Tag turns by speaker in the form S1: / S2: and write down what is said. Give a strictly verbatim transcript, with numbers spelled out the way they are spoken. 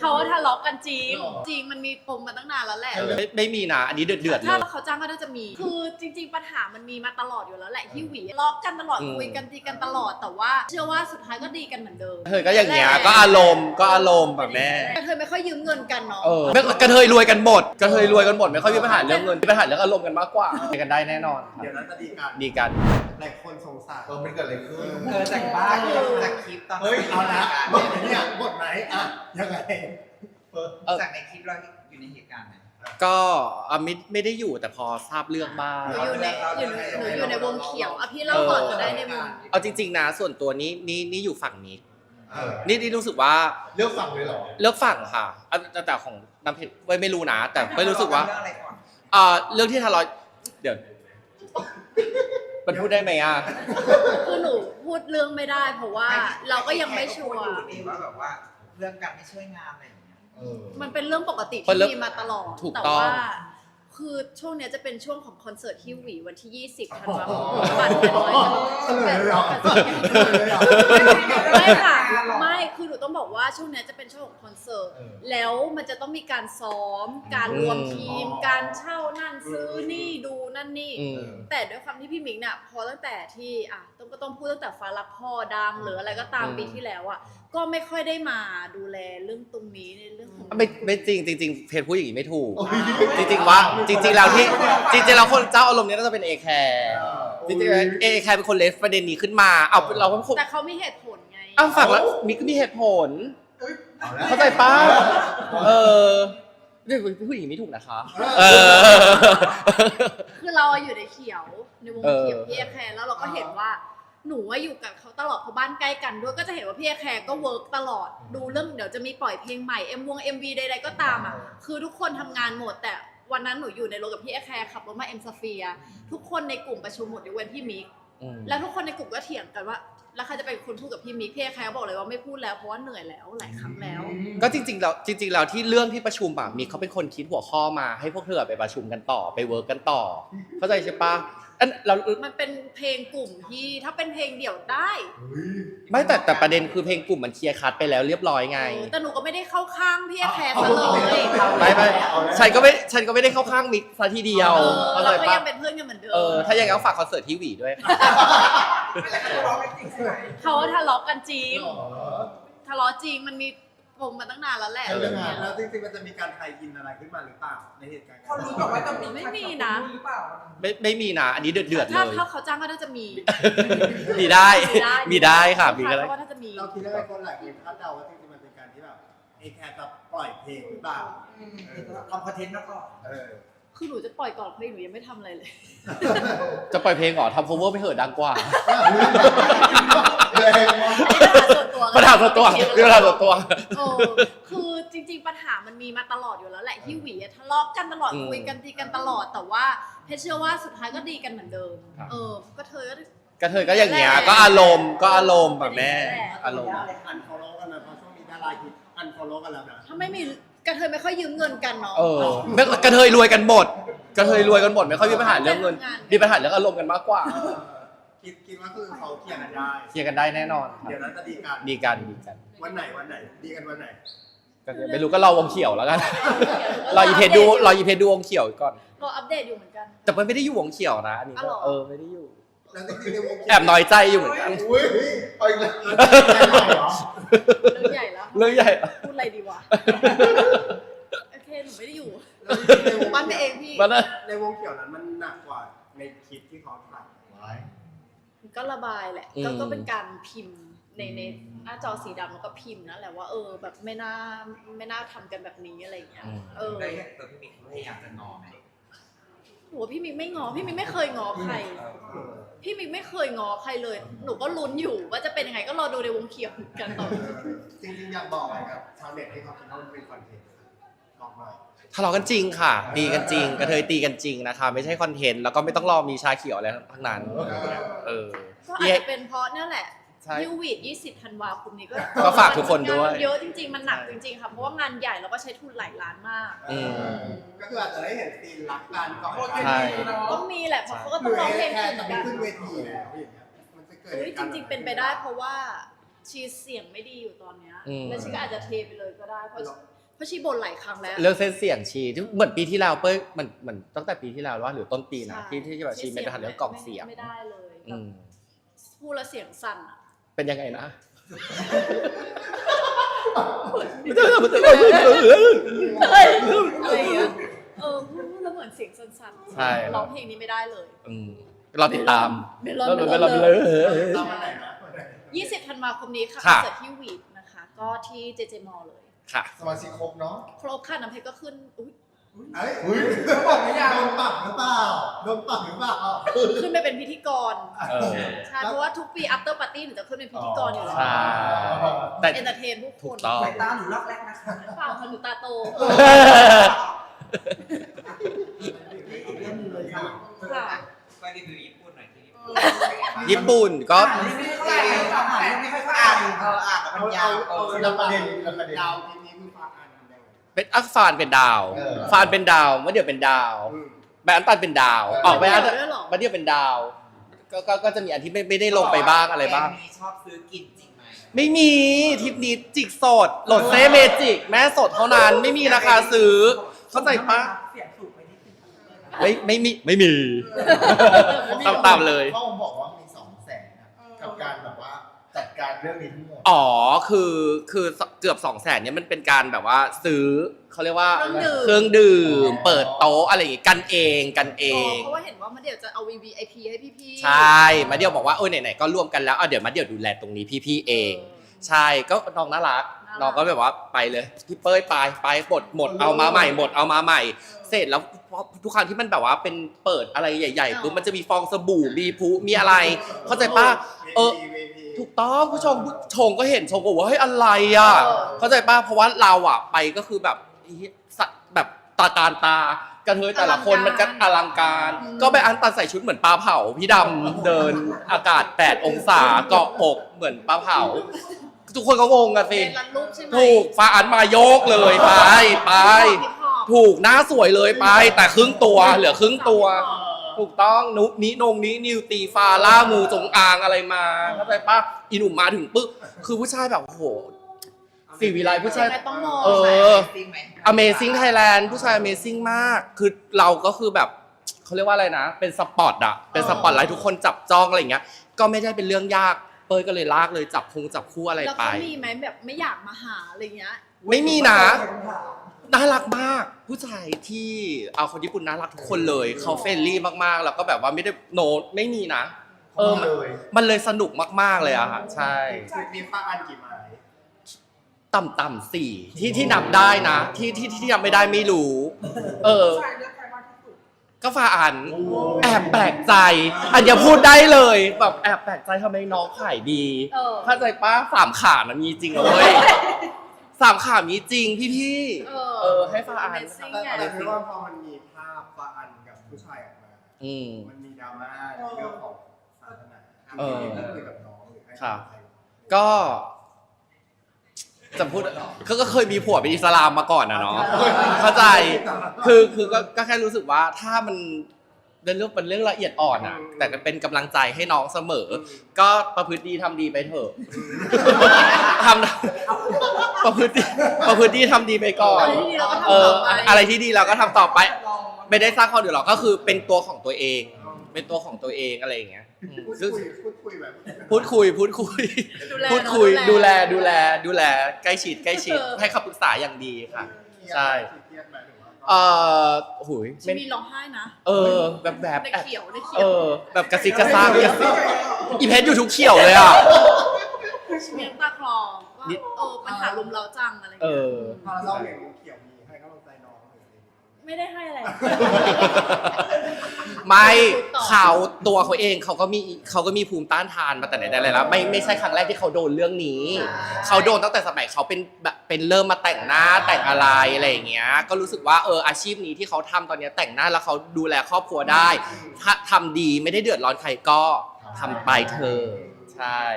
S1: เขาว่าทะเลาะกันจริงจริงมันมีปมมาตั้งนานแล้วแหละ
S2: ไม่ไม่มีนะอันนี้เดือดเดือดเลย
S1: ถ้าเขาจ้างก็น่าจะมีคือจริงๆปัญหามันมีมาตลอดอยู่แล้วแหละที่หวีทะเลาะกันตลอดคุยกันตีกันตลอดแต่ว่าเชื่อว่าสุดท้ายก็ดีกันเหมือนเดิม
S2: เธอก็อย่างเงี้ยก็อารมณ์ก็อารมณ์แบบแม่
S1: กระเทยไม่ค่อยยืมเงินกันเนาะ
S2: เออกระเทยรวยกันหมดกระเทยรวยกันหมดไม่ค่อยมีปัญหาเรื่องเงินมีปัญหาเรื่องอารมณ์กันมากกว่าไปกันได้แน่นอน
S3: เดี๋ยวนั้นจะดีกัน
S2: ดีกัน
S3: หลายคนสงสัยเออมันเกิดอะไรขึ้น
S4: เออจากบ้านจากคลิปตอน
S3: เฮ้ยเอาละบทเนี่ยบทไหนอ่ะยังไง
S4: จากในคลิปเราอยู่ในเหตุการณ์ไหม
S2: ก็อ่ะไม่ไม่ได้อยู่แต่พอทราบเรื่องบ้าง
S1: หนูอยู่ในอยู่ในหนูอยู่ในวงเขียวอ่ะพี่เล่าก่อนก็ได้ในวง
S2: เอาจริงๆนะส่วนตัวนี้นี่นี่อยู่ฝั่งนี้
S3: เออ
S2: นี่นี่รู้สึกว่า
S3: เลือกฝั่งเลยเหรอ
S2: เลือกฝั่งค่ะอ่ะแต่แต่ของน้ำเพชรไม่ไม่รู้นะ แต่ไม่รู้สึกว่า
S4: เรื่องอะไรก่อน
S2: อ่าเรื่องที่ทะเลาะเดี๋ยวมันพูดได้ไหมอ่ะ
S1: คือหนูพูดเรื่องไม่ได้เพราะว่าเราก็ยังไม่ชัวร์
S4: ว่าแบบว่าเรื่องการไม่ช่วยงานอะไรอย่างเงี้ย
S3: เออ
S1: มันเป็นเรื่องปกติ
S2: เป็น
S1: ที่
S2: เรื่อง
S1: มีมาตลอด
S2: ถูก
S1: แต่
S2: ต้อง
S1: ว่าคือช่วงเนี้ยจะเป็นช่วงของคอนเสิร์ตที่หวีวันที่ยี่สิบธันวาคมบัตรแปดร้อย
S3: เฉลยเลยเหรอ
S1: แปดร้อย
S3: เฉลยเลยเหรอ
S1: ไม่ค่ะไม่คือหนูต้องบอกว่าช่วงเนี้ยจะเป็นช่วงของคอนเสิร์ต
S3: เออ
S1: แล้วมันจะต้องมีการซ้อม การรวมทีม
S3: อืม
S1: การเช่านั่นซื้อนี่ดูนั่นนี่
S2: อืม
S1: แต่ด้วยความที่พี่มิกเนี่ยพอตั้งแต่ที่อ่ะต้องก็ต้องพูดตั้งแต่ฟ้ารักพ่อดังหรืออะไรก็ตาม
S2: อืม
S1: ปีที่แล้วอ่ะก็ไม่ค่อยได้มาดูแลเรื่องตรงนี้ในเรื่องของ
S2: ไม่ไม่จริงจริงๆเพจพูดอย่างนี้ไม่ถูก จริงๆว่าจริงๆแล้วที่จริงๆแล้วคนเจ้าอารมณ์นี้น่าจะเป็นเอแคร์จริงๆเอแคร์เป็นคนเลสประเด็นนี้ขึ้นมาเอาเราก็คง
S1: แต่เขามีเหตุผลไง
S2: อ้าวฝั่งแล้วมีก็มีเหตุผล
S3: เอาละ
S2: เข้าใจป้าเออเรื่องผู้หญิงไม่ถูกนะคะ เออ
S1: คือเราอยู่ในเขียวในวง
S2: เออ
S1: เขียวพี่เอแคร์แล้วเราก็เห็นว่าหนูว่าอยู่กับเขาตลอดเพราะบ้านใกล้กันด้วยก็จะเห็นว่าพี่เอแคร์ก็เวิร์กตลอดดูเรื่องเดี๋ยวจะมีปล่อยเพลงใหม่เอ็มวงเอ็มวีใดๆก็ตามอ่ะคือทุกคนทำงานหมดแต่วันนั้นหนูอยู่ในรถกับพี่เอแคร์ขับรถมาเอ็มสเฟียทุกคนในกลุ่มประชุมหมดยกเว้นพี่มิก
S2: อืม
S1: แล้วทุกคนในกลุ่มก็เถียงกันว่าแล้วใครจะเป็นคนพูดกับพี่มิกพี่เอแคร์บอกเลยว่าไม่พูดแล้วเพราะว่าเหนื่อยแล้วหลายครั้งแล้ว
S2: ก็จริงๆแล้วจริงๆแล้วที่เรื่องที่ประชุมอ่ะมีเขาเป็นคนคิดหัวข้อมาให้พวกเธอไปประชุมกันต่อไปเวิร์กกันต่อ เข้าใจใช่ปะอันเรา
S1: มันเป็นเพลงกลุ่มที่ถ้าเป็นเพลงเดี่ยวได้
S2: ไม่แต่แต่ประเด็นคือเพลงกลุ่มมันเคลียร์คัดไปแล้วเรียบร้อยไง
S1: แต่หนูก็ไม่ได้เข้าข้างพี่เอแคร์ซะเลย
S2: ไม่ไม่ฉันก็ไม่ฉันก็ไม่ได้เข้าข้างมิกซะทีเดียว
S1: เออ
S2: เข้าใจ
S1: เราก็
S2: ปะ
S1: ยังเป็นเพื่อนกันเหมือนเดิม
S2: เออถ้าอย่างนั้นฝากคอนเสิร์ตที่หวีด้วยค่ะ
S4: ไม่แต่เขาร้องไม่จริงใช่ไหม
S1: เขาว่าทะเลาะกันจริงทะเลาะจริงมันมีปมมาตั้งนานแล้วแหละ
S3: เรื่องงานแล้วจริงๆมันจะมีการไทยอินอะไรขึ้นมาหรือเปล่าในเหตุการณ์
S4: เขารู้บอกว่าจะมี
S1: ไม่มีนะ
S4: หรือเปล่า
S2: ไม่ไม่มีนะอันนี้เดือดเดือดเล
S1: ถ้าย ถ้าเขาจ้างก็น่าจะมี
S2: มีได้มีได้ค่ะมีก็ได้
S1: เขาว่าน่าจะมี
S3: เราคิดว่าคนหลายคนคาดเดาว่าจริงๆมันเป็นการที่แบบเอแคร์จะปล่อยเพลงหรือเปล่า
S4: ทำคอนเทนต์แล้วก็
S3: เออ
S1: คือหนูจะปล่อยก่อนเพราะหนูยังไม่ทำอะไรเลย
S2: จะปล่อยเพลงเหรอทำ cover ไปเหอะดังกว่า
S3: แรงมาก
S1: ปัญหาส่วนตัว
S2: ปัญหาส่วนตัว
S1: โอ้คือจริงๆปัญหามันมีมาตลอดอยู่แล้วแหละที่หวีอะทะเลาะกันตลอด
S2: อืม
S1: คุยกันตีกันตลอดแต่ว่าเพชรเชื่อว่าสุดท้ายก็ดีกันเหมือนเดิม
S2: ครับ
S1: เออก็เธอก็
S2: กระเทยก็อย่างเงี้ยก็อารมณ์ก็อารมณ์แบบแม่อารมณ์
S3: อันฟอลโล่กันนะเพราะช่วงนี้ดาราฮิตอันฟอลโล่กันแล้วนะ
S1: ถ้าไม่มีกระเทยไม่ค่อยยืมเงินกันเนาะ
S2: เออไม่กระเทยรวยกันหมดกระเทยรวยกันหมดไม่ค่อยมีปัญหาเรื่องเงินมีปัญหาเรื่องอารมณ์กันมากกว่า
S3: เออคิดคิดว่าคือเขาเคลียร์กันได้
S2: เคลียร์กันได้แน่นอนครับ
S3: เดี๋ยวนั้นจะดีกัน
S2: ดีกันดีกัน
S3: วันไหนวันไหน ดีกันวันไหน
S2: ก็ไม่รู้ก็รอวงเขียวแล้วกันรออีเพจดูรออีเพจดูวงเขียวก่อน
S1: รออัปเดตอยู่เหมือนกัน
S2: แต่มันไม่ได้อยู่วงเขียวนะอันนี้
S1: อ๋อเหรอ
S2: เออไม่ได้อยู่
S3: แล้วจริงๆในวง
S2: แอบน้อยใจอยู่เหมือนกัน
S3: อุ้ยเอาอีกแล้ว
S1: เรื่องใหญ่แล้ว
S2: เรื่องใหญ่
S1: พูดอะไรดีวะโอเคหนูไม่ได้อยู่
S3: แล้วจริงๆในวง
S1: มันไปเองพี่
S2: มันนะ
S3: ในวงเขียวนั้นมันหนักกว่าในคลิปที่เขาถ่ายไว้
S1: ก็ระบายแหละก็ก็เป็นการพิมพ์ในในหน้าจอสีดำแล้วก็พิมพ์นั่นแหละว่าเออแบบไม่น่าไม่น่าทำกันแบบนี้อะไรอย่างเงี้ยเออ
S4: ได้อย่างตัวพี่มิกพยายามจะงอไหม
S1: หนูว่าพี่มิกไม่งอพี่มิกไม่เคยงอใคร พี่มิกไม่เคยงอใครเลย หนูก็ลุ้นอยู่ว่าจะเป็นยังไงก็รอดูในวงเขียวกันต่อ
S3: จริงๆอยากบอกอะไรครับชาวเน็ตที่เขาคิดว่ามันเป็นคอนเทนต์บอกหน่อย
S2: ทะเลาะกันจริงค่ะตีกันจริงกระเทยตีกันจริงนะคะไม่ใช่คอนเทนต์แล้วก็ไม่ต้องรอมีชาเขียวอะไรทั้งนั้นเออ
S1: ก็อาจจะเป็นเพราะเนี่ยแหละ
S2: ใช่
S1: ยูวีดยี่สิบธันวาคมนี้ก็
S2: ก็ฝากทุกคนด้วย
S1: งาเยอะจริงๆมันหนักจริงๆค่ะเพราะว่างานใหญ่แล้วก็ใช้ทุนหลายล้านมาก
S2: อืม
S3: ก็คืออาจจะได้เห็นซีนรักกันก่อน
S2: ใช่
S1: ต้องมีแหละเพราะเขาก็
S3: ห
S1: ต้
S3: รือ อง
S1: ร้องเพล
S3: เอง แค่
S1: เหมื
S3: จะ
S1: อน
S3: ไม่
S1: กัน
S3: ขึ้นเวทีแล้วอย่างเงี้ยมันจะเกิด
S1: เฮ้ยจริง ๆ เป็นไปได้เพราะว่าชีเสียงไม่ดีอยู่ตอนเนี้ย
S2: อืม
S1: แล้วชีก็อาจจะเทไปเลยก็ได้เพราะราะชีบ่นหลายครั้งแล้ว
S2: เรื่องเส้นเสียงชีที่เหมือนปีที่แล้วเป้ยมันเหมือนตั้งแต่ปีที่แล้วว่าหรือต้นปีนะ
S1: ใช่
S2: ที่ที่แบบชีไม่ได้ทันเรื่องกล่องเสียง
S1: ไม่ได้เลย
S2: อืม
S1: พูดแล้วเสียงสั่นอะ
S2: เป็นยังไงนะ
S1: อะไรอย่างเงี้ยเออพูดแล้วเหมือนเสียงสั่นๆ
S2: ใช่
S1: ร้องเพลงนี้ไม่ได้เลย
S2: อืมเราติดตาม
S1: เมลอน
S2: เรา
S1: เม
S2: เม
S1: ล
S2: ล
S1: อ
S2: อน น
S1: เล
S2: เลย ย
S3: ตามวันไหนนะวันไหน
S1: ยี่สิบธันวาคมนี้ค่ะคอ
S2: ค่ะ
S1: นเสิร์ตที่วีดนะคะ ก็ที่เจเจมอลเลย
S2: ค่ะ
S3: สมาชิกครบเนาะ
S1: ครบค่ะน้ำเพชรก็ขึ้นอุ๊ย
S3: เอ้ยอุ้ยเขาบอกไม่อยากโดนปรับหรือเปล่าโดนปรับหรือเปล่า
S1: ขึ้นไปเป็นพิธีกร
S2: เออ
S1: ใช่ เพราะว่าทุกปี after party หนูจะขึ้นเป็นพิธีกรอยู่แล้ว
S2: ใช่แต่
S1: เอนเตอร์เทนผู้ค
S2: ถูก
S1: น
S2: ต้อง
S4: สายตาหนูรักแรกนะคะ
S1: เปล่าค่ะหนูตาโต
S4: อีกเรื่องหนึงเลยค่ะ
S1: ค่ะ
S4: ก็รีวิวญี่ปุ่นหน่อยที่ญี่ปุ่น
S2: ญี่ปุ่นก็
S4: อ่านไม่ค่อยอ่านอ่านไม่ค่อยอ่านเอออ่านแต่มันยาว
S3: เอาเอาเอาประเด็นเอาประเด็นดาวทีนี้คือฟังอันยังไง
S2: เป็นอักฟานเป็นดาว
S3: เออ
S2: ฟานเป็นดาวมะเดี่ยวเป็นดาว
S3: อืม
S2: แบรนด์อันตันเป็นดาว
S3: เออ
S2: ออกไปอัน
S1: มะเดี่ยวด้วยเหรอ
S2: มะเดี่ยวเป็นดาว ก็ก็ก็จะมีอันที่ไม่ไม่ได้ลงไปบ้างอะไรบ้าง
S4: แกมีชอบซื้อกินจริงไหม
S2: ไม่มีทริปนี้จิกสดโหลดเซเมจิกแม่สดเท่านั้นไม่มีราคาซื้อ เข้าใจปะ
S4: เสียงสูงไปนิดนึง
S2: ไม่ไม่มีไม่มีตามตามเลย
S3: เขาบอกว่ามีสองแสนนะกับการแบบว่าจัดการเรื่องนี้ทั้งหมด
S2: อ๋อคือคือเกือบสองแสนเนี่ยมันเป็นการแบบว่าซื้อเขาเรียกว่า
S1: เครื่องดื่ม
S2: เครื่องดื่ม เปิดโต๊ะอะไรอย่างงี้กันเองกันเอ
S1: เออง เพราะว่าเห็นว่ามาเดี๋ยวจะเอา วี วี ไอ พี ให้พี่ๆ
S2: ใช่มาเดียวบอกว่าเออไหนๆก็ร่วมกันแล้วเอาเดี๋ยวมาเดียวดูแลตรงนี้พี่ๆเอง ใช่ก็น้องน่ารัก
S1: น่ารัก
S2: น้องก็แบบว่าไปเลยพี่เป้ยไปไปหมดหมดเอามาใหม่หมดเอามาใหม่ เสร็จแล้วทุกครั้งที่มันแบบว่าเป็นเปิดอะไรใหญ่ๆปุ๊บมันจะมีฟองสบู่มีพุมีอะไร เข้าใจป่ะเออ ถูกต้องผู้ชมผู้ชมก็เห็นชมก็บอกว่าเฮ้ยอะไรอ่ะ
S1: เออ
S2: เข้าใจป่ะเพราะว่าเราอ่ะไปก็คือแบบสัตว์แบบตาการตากระเทยแต่ละคนมันก็อลังการ ก็ไปอันตันใส่ชุดเหมือนปลาเผาพี่ดำเดินอากาศแปดองศาเกาะอกเหมือนปลาเผา ทุกคนก็งงกันสิ
S1: เป็นรันรูปใช่ไหม
S2: ถูกฟ้าอันมาโยกเลยไปไป
S1: ฮิปฮอป
S2: ถูกหน้าสวยเลยไป แต่ครึ่งตัวเหลือครึ่งตัว ถูกต้องนุนินงนี้นิวตีฟาล่ามูจงอางอะไรมาเข้าใจปะอีหนุ่มมาถึงปึ๊บคือผู้ชายแบบโอ้โหสีวิไลผู้ชาย
S1: ไม่ต้องมอง
S2: เออ
S4: จริงไหม
S2: Amazing Thailand ผู้ชาย Amazing มาก คือเราก็คือแบบเขาเรียกว่าอะไรนะ เป็นสปอตอะเป็นสปอตไลท์ทุกคนจับจ้องอะไรอย่างเงี้ย ก็ไม่ได้เป็นเรื่องยากเป้ยก็เลยลากเลยจับคงจับคู่อะไร
S1: แล้ว
S2: ไป
S1: เขามีไหมแบบไม่อยากมาหาอะไรเงี้ย
S2: ไม่มีนะ น่ารักมาก ผู้ชายที่เอาคนญี่ปุ่นน่ารักทุกคนเลย เขาเฟรนลี่มากๆ แล้วก็แบบว่าไม่ได้โนไม่มีนะ เออมัน
S3: เลย
S2: มันเลยสนุกมากๆเลยอะค่ะใช่
S3: มีฟังอันกี่ไม้
S2: ต่ำๆสี่ที่ที่นับได้นะ ที่ที่ที่นับไม่ได้ไม่รู้ เออ
S4: ใช่เลือกใครมากที่สุด
S2: ก็ฟาอัน แอบแปลกใจ อันอย่าพูดได้เลยแบบแอบแปลกใจทำไมน้องขายดี
S1: เออ
S2: เข้าใจป้าสามขานะมีจริงเลย สามขามีจริงพี่พี่ๆ
S1: เออ
S2: เออให้ฟาอัน
S1: Amazing
S3: แต่
S1: ไง
S3: แต่คือว่าพอมันมีภาพฟังอันกับผู้ชายออกมา
S2: อืม
S3: มันมีดราม่าในเรื่องของศาสนา
S2: เออ
S3: ที่ได้คุยกับน้องหรือให้
S2: ครับ
S3: ใคร
S2: ก็จะพูดก็ก็เคยมีผัวเป็นอิสลามมาก่อนนะเนาะเข้าใจคือคือก็ก็แค่รู้สึกว่าถ้ามันเป็นเรื่องเป็นเรื่องละเอียดอ่อนอะแต่ก็เป็นกำลังใจให้น้องเสมอ ก็ประพฤติดีทำดีไปเถอะทำประพฤติประพฤติดีทำดีไปก่อน
S1: อะไรที่ดีเราก็ทำ
S2: เออ
S1: ต่อไป
S2: อะไรที่ดีเราก็ทำต่อไป ไม่ได้สร้างความเดือดร้อนก็คือเป็นตัวของตัวเอง เป็นตัวของตัวเองอะไรอย่างเงี้ยอืม
S3: พูด
S2: ซึ่ง
S3: คุยพูดคุยแบบ
S2: พูดคุยพูดคุย
S1: ดูแล
S2: พูดคุย
S1: เนอะ
S2: ดูแลดูแลดูแลใกล้ชิดใกล้ชิด
S1: เออ
S2: ให้คำปรึกษาอย่างดีค่ะ ใช่
S3: เครียดไหมหรือว่า
S2: เออหุย
S1: ชี
S2: ไม่
S1: มีร้องไห้นะ
S2: เออแบบแบบ
S1: ใน
S2: แอบ
S1: เขียวในเขี
S2: เอ
S1: ยว
S2: อ แบบกระซิบกระซาบกระซิบอีเพชรอยู่ทุกเขียวเลยอ่ะ
S1: ชีมีน้ำตาคลอว่า
S2: นิด
S1: เออปัญหารุมเราจังอะไร
S2: เอ
S1: เงี้ย
S2: อ
S3: พอเราเห็นเขียวมีให้กำลังใจน้องหรืออะไรอย่างเงี้ย
S1: ไม่ได้ให้อะไร
S2: ไม่
S1: ต่อ
S2: เขาตัวเขาเองเขาก็มีเขาก็มีภูมิต้านทานมาแต่ไหนแต่ไรแล้วไม่ไม่ใช่ครั้งแรกที่เขาโดนเรื่องนี้ เขาโดนตั้งแต่สมัยเขาเป็นแบบเป็นเริ่มมาแต่งหน้าแต่งอะไรอะไรอย่างเงี้ยก็รู้สึกว่าเอออาชีพนี้ที่เขาทำตอนเนี้ยแต่งหน้าแล้วเขาดูแลครอบครัวได้ ถ้าทำดีไม่ได้เดือดร้อนใครก็ทำไปเถอะใช่